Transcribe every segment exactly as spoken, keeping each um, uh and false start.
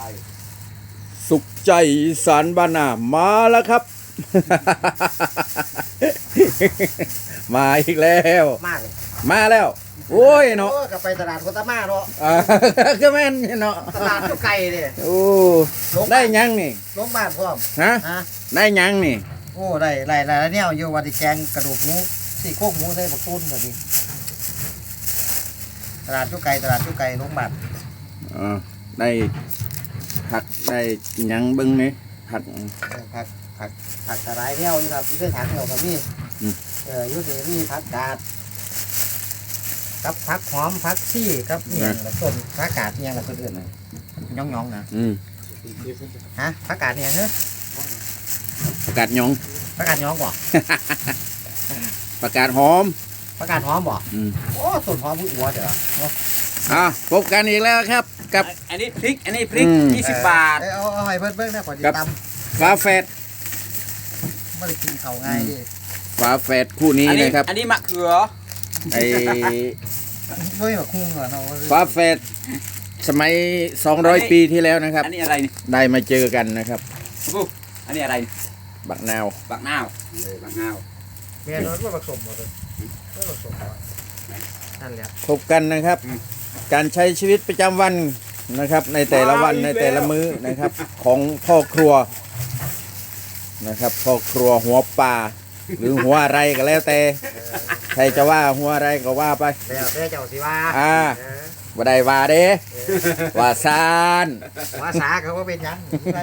สุขใจอีสานบ้านนามาแล้วครับ มาอีกแล้วมากเลยมาแล้วโอ้ยเนาะก็ไปตลาดโคตามาเนาะก็แม่นเนาะตลาดก็ไกลเลยโอ้ได้ยังนี่ลงบ้านพร้อมฮะได้ยังนี่โอ้ได้หลายหลายเนี่ยอยู่วันที่แกงกระดูกหมูสี่โคกหมูใส่บักตุ้นแบบนี้ตลาดก็ไกลตลาดก็ไกลลงบ้านอ๋อได้ผักได้ยังบึ้งนี่ผักผักผักผักกระไรเนี่ยอยู่ครับที่ได้ถังเดียวกับนี่เออยุตินี่ผักกาดกับผักหอมผักซี่กับเนี่ยต้นผักกาดเนี่ยอะไรคนอื่นนะย่องย่องนะฮะผักกาดเนี่ยเหรอผักกาดยองผักกาดยองบ่ผักกาดหอมผักกาดหอมบ่โอ้ต้นหอมผู้อัวเดี๋ยวอ่ะพบกันอีกแล้วครับกับอันนี้พริกอันนี้พริกยี่สิบบาทเอาเอาให้เพิ่มเพิ่มนะขอดีตำฝาแฝดไม่ได้กินเขาง่ายดิฝาแฝดคู่นี้นะครับอันนี้มะเขือไอ้ไม่แบบคุ้งเหรอเนาะฝาแฝดสมัยสองร้อยปีที่แล้วนะครับอันนี้อะไรนี่ได้มาเจอกันนะครับอันนี้อะไรบักนาวบักนาวบักนาวเมียน้อยว่าผสมหมดเลยไม่ผสมนั่นแหละพบกันนะครับการใช้ชีวิตประจำวันนะครับในแต่ละวันในแต่ละมื้อนะครับของพ่อครัวนะครับพ่อครัวหัวปลาหรือหัวอะไรก็แล้วแต่ใครจะว่าหัวอะไรก็ว่าไปแล้วแต่เจ้าสิว่าอ่าบ่ได้ว่าเด้ว่าซานว่าสาเขาว่าเป็นยัง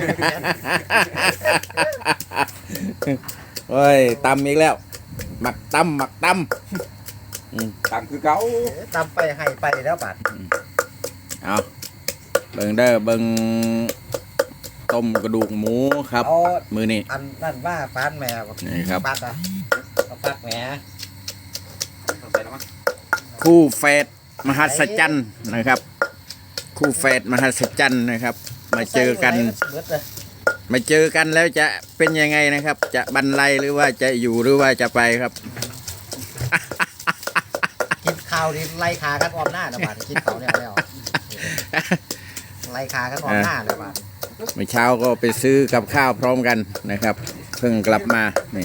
เฮ้ยตำอีกแล้วหมักตำหมักตำตำคือเก่าตำไปให้ไปแล้วบัดเอาเบิ่งเด้อเบิ่งต้มกระดูกหมูครับมือนี่อันนั่นว่าฟานแม่นี่ครับปัดอ่ะปัดแหมคู่แฝดมหัศจรรย์นะครับคู่แฝดมหัศจรรย์นะครับมาเจอกันมาเจอกันแล้วจะเป็นยังไงนะครับจะบรรลัยหรือว่าจะอยู่หรือว่าจะไปครับกินข้าวนี่ไล่ขากันออมหน้านะบาดกินข้าวเนี่ยแล้วไล่ขากันออมหน้าเลยบาดเมื่อเช้าก็ไปซื้อกับข้าวพร้อมกันนะครับเพิ่งกลับมานี่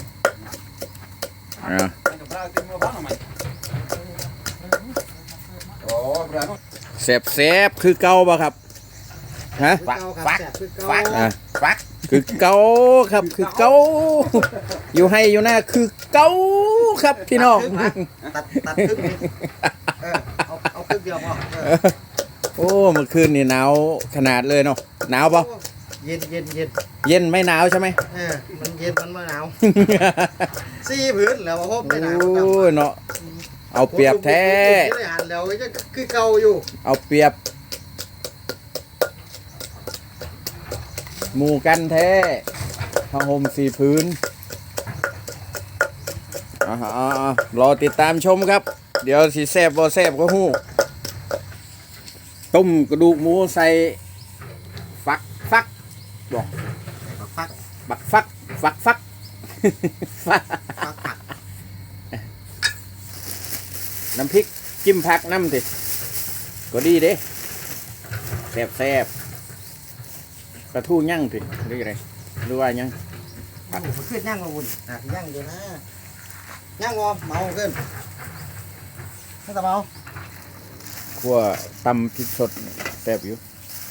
เสบเสบคือเก่าป่ะครับฮะฟักฟักฟักฟักคือเก่าครับคือเก่าอยู่ให้อยู่หน้าคือเก่าครับพี่น้องตัดตัดครึ่งนี้เออเอาเอาครึ่งเดียวพอโอ้เมื่อคืนนี่หนาวขนาดเลยเนาะหนาวป่ะเย็นเย็นเย็นเย็นไม่หนาวใช่ไหมเออมันเย็นมันไม่หนาวสี่พื้นแล้วพบไม่หนาวโอ้ยเนาะเอาเปรียบแท้แล้วก็คือเก่าอยู่เอาเปรียบหมู่กันแท้ผ้าห่มสี่พื้นอ่ารอติดตามชมครับเดี๋ยวสีแซบบ่แซบก็หู้ต้มกระดูกหมูใส่ฟักฟักบอกฟักบักฟักฟักฟักน้ำพริกจิ้มผักน้ำสิก็ดีเด้แซบแซบกระทู้ยั่งสิหรืออะไรหรือว่ายั่งผักขึ้นยั่งมาวุ่นอ่ะยั่งเดี๋ยวนะยั่งงอเมาขึ้นไม่ต้องเมาคั่วตำพริกสดแซ่บอยู่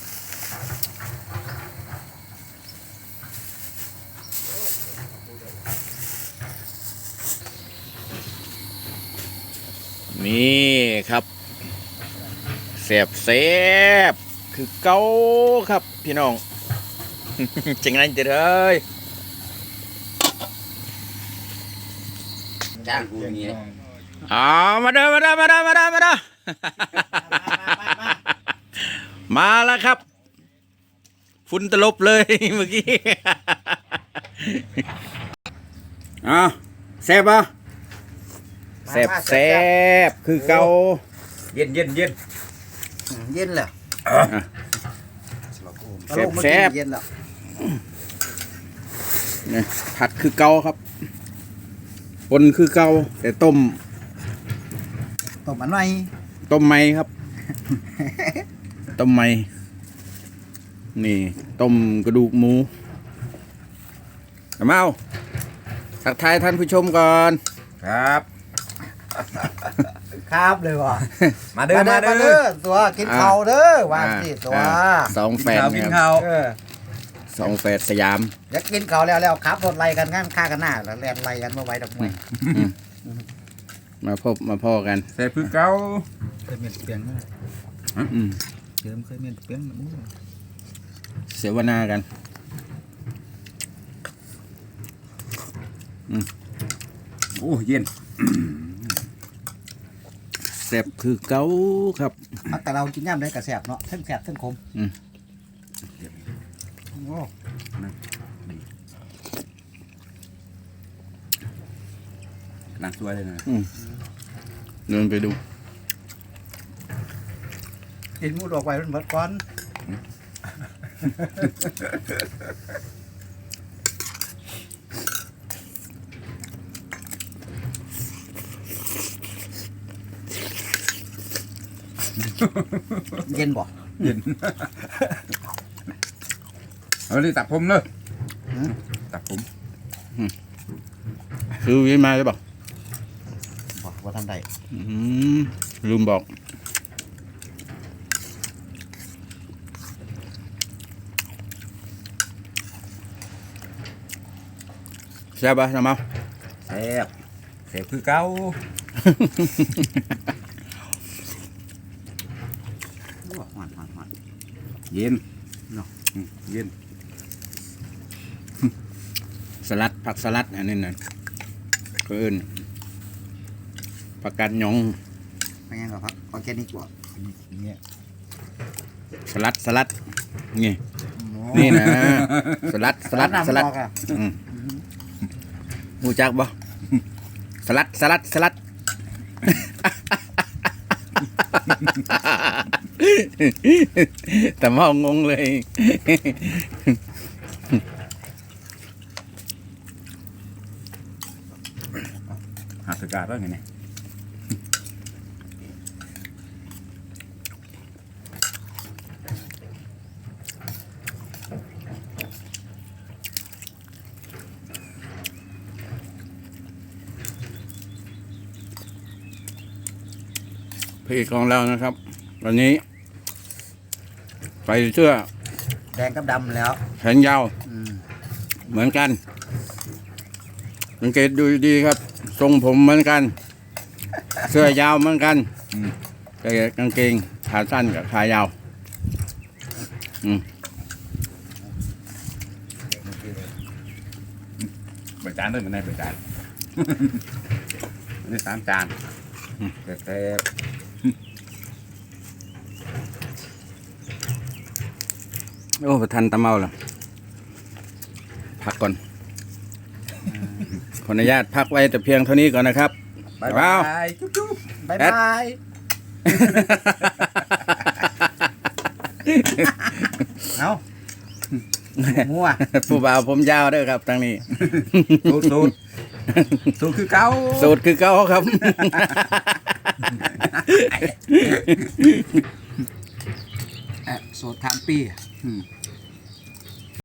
นี่ครับแซ่บแซ่บคือเก้าครับพี่น้องจังไรจะเลยจ้างกูอย่างนี้อ๋อมาเด้อมาเด้อมาเด้อมาเด้อมาเด้อมาแล้วครับฝุ่นตลบเลยเมื่อกี้อ๋อแซ่บป่ะแซ่บแซ่บคือเกาเย็นเย็นเย็นเย็นเลยแซ่บแซ่บเนี่ยผัดคือเกาครับปนคือเกาแต่ต้มต้มมันไหมต้มไหมครับต้มไหมนี่ต้มกระดูกหมูเอามาเอาทักทายท่านผู้ชมก่อนครับครับเลยว่ะมาเด้อมาเด้อตัวกินข้าวเด้อวางสิตัวอ่าสองแฟนกินคข้ารับวเออสองแฟนสยามอยากกินข้าวแล้วแล้วครับรถไล่กันงั้นฆ่ากันหน้าแล้วแล่นไล่กันมาไว้ดอกไม้มาพบมาพ่อกันแซ่บคือเก่าเคยเมียนเปียงนะอืมเดิมเคยเมียนเปียงนะเสวนากันโอ้เย็นแซ่บคือเก้าครับแต่เรากินย่ำได้กระแสบเนาะทั้งแสบทั้งขมอืมโอ้นั่งสวยเลยนะเดินไปดูกินหมูดอกไว้มันหมดก่อน เย็นบ่เย็นเอาเลยตัดผมเลยตัดผมคือวิมาหรือเปล่าบ่ว่าทำได้อืมลืมบอกแซ่บปะน้ำเมาแซ่บแซ่บคือเก่าโอ้หวานหวานหวานเย็นเนาะอืมเย็นสลัดผักสลัดอันนี้นะก็เอิ้นผักกาดหยองเป็นไงครับออร์แกนิกบ่เนี่ยสลัดสลัดนี่นี่นะสลัดสลัดสลัดอ่ะอืมหูจักบ่สลัดสลัดสลัด แต่มองงงเลยหักสกัดแล้วไงเนี่ยพระเอกของเรานะครับ วันนี้ใส่เสื้อแดงกับดำแล้วแขนยาวอืมเหมือนกันสังเกตดูดีครับ ทรงผมเหมือนกัน เสื้อยาวเหมือนกันแต่กางเกงขาสั้นกับขายาวใบจานด้วยมันในใบจานอันนี้สามจานแซ่บแซ่บโอ้ประทันตะเมาแล้วพักก่อน ขออนุญาตพักไว้แต่เพียงเท่านี้ก่อนนะครับบายว้าบาว ยจุ๊บจุ๊บบายแอดบายเอามัวผู้บ่าวผมยาวเด้อครับทางนี้สูตรสูตรสูตรคือเก่าสูตรคือเก้าครับแอะโสดทามปีอืม